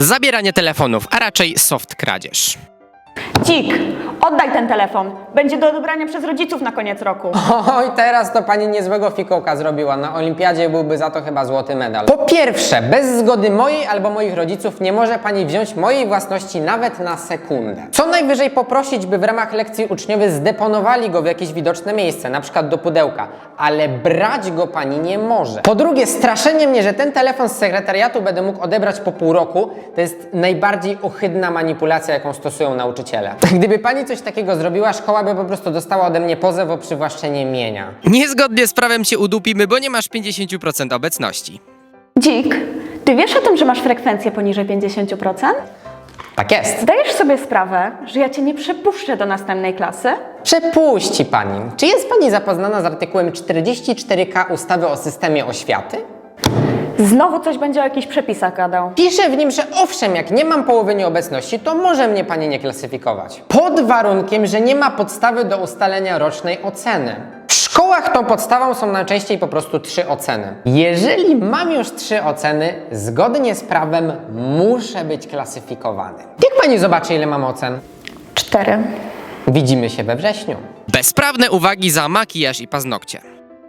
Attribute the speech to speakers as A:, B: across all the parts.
A: Zabieranie telefonów, a raczej soft kradzież.
B: Dzik, oddaj ten telefon. Będzie do odebrania przez rodziców na koniec roku.
C: Oj, teraz to pani niezłego fikołka zrobiła. Na olimpiadzie byłby za to chyba złoty medal. Po pierwsze, bez zgody mojej albo moich rodziców nie może pani wziąć mojej własności nawet na sekundę. Co najwyżej poprosić, by w ramach lekcji uczniowie zdeponowali go w jakieś widoczne miejsce, na przykład do pudełka, ale brać go pani nie może. Po drugie, straszenie mnie, że ten telefon z sekretariatu będę mógł odebrać po pół roku, to jest najbardziej ohydna manipulacja, jaką stosują nauczyciele. Gdyby pani coś takiego zrobiła, szkoła by po prostu dostała ode mnie pozew o przywłaszczenie mienia.
A: Niezgodnie z prawem cię udupimy, bo nie masz 50% obecności.
B: Dzik, ty wiesz o tym, że masz frekwencję poniżej 50%?
C: Tak jest.
B: Zdajesz sobie sprawę, że ja cię nie przepuszczę do następnej klasy?
C: Przepuści pani. Czy jest pani zapoznana z artykułem 44k ustawy o systemie oświaty?
B: Znowu coś będzie o jakichś przepisach gadał.
C: Pisze w nim, że owszem, jak nie mam połowy nieobecności, to może mnie pani nie klasyfikować. Pod warunkiem, że nie ma podstawy do ustalenia rocznej oceny. W szkołach tą podstawą są najczęściej po prostu 3 oceny. Jeżeli mam już 3 oceny, zgodnie z prawem muszę być klasyfikowany. Jak pani zobaczy, ile mam ocen?
B: 4.
C: Widzimy się we wrześniu.
A: Bezprawne uwagi za makijaż i paznokcie.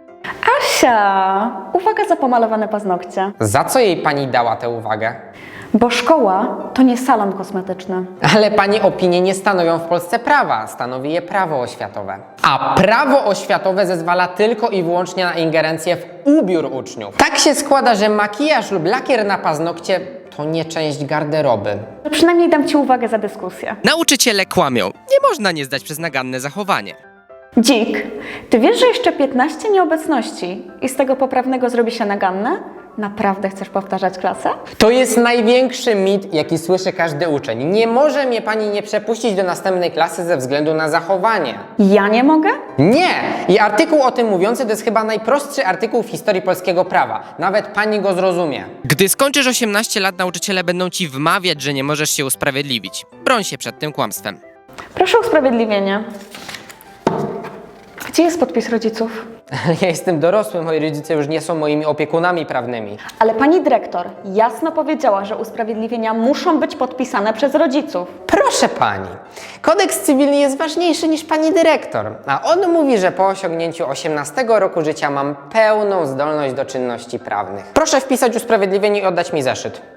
B: Asia, uwaga za pomalowane paznokcie.
C: Za co jej pani dała tę uwagę?
B: Bo szkoła to nie salon kosmetyczny.
C: Ale pani opinie nie stanowią w Polsce prawa, stanowi je prawo oświatowe. A prawo oświatowe zezwala tylko i wyłącznie na ingerencję w ubiór uczniów. Tak się składa, że makijaż lub lakier na paznokcie to nie część garderoby.
B: Przynajmniej dam ci uwagę za dyskusję.
A: Nauczyciele kłamią. Nie można nie zdać przez naganne zachowanie.
B: Dzik, ty wiesz, że jeszcze 15 nieobecności i z tego poprawnego zrobi się naganne? Naprawdę chcesz powtarzać klasę?
C: To jest największy mit, jaki słyszy każdy uczeń. Nie może mnie pani nie przepuścić do następnej klasy ze względu na zachowanie.
B: Ja nie mogę?
C: Nie! I artykuł o tym mówiący to jest chyba najprostszy artykuł w historii polskiego prawa. Nawet pani go zrozumie.
A: Gdy skończysz 18 lat, nauczyciele będą ci wmawiać, że nie możesz się usprawiedliwić. Broń się przed tym kłamstwem.
B: Proszę o usprawiedliwienie. Gdzie jest podpis rodziców?
C: Ja jestem dorosły, moi rodzice już nie są moimi opiekunami prawnymi.
B: Ale pani dyrektor jasno powiedziała, że usprawiedliwienia muszą być podpisane przez rodziców.
C: Proszę pani, kodeks cywilny jest ważniejszy niż pani dyrektor, a on mówi, że po osiągnięciu 18 roku życia mam pełną zdolność do czynności prawnych. Proszę wpisać usprawiedliwienie i oddać mi zeszyt.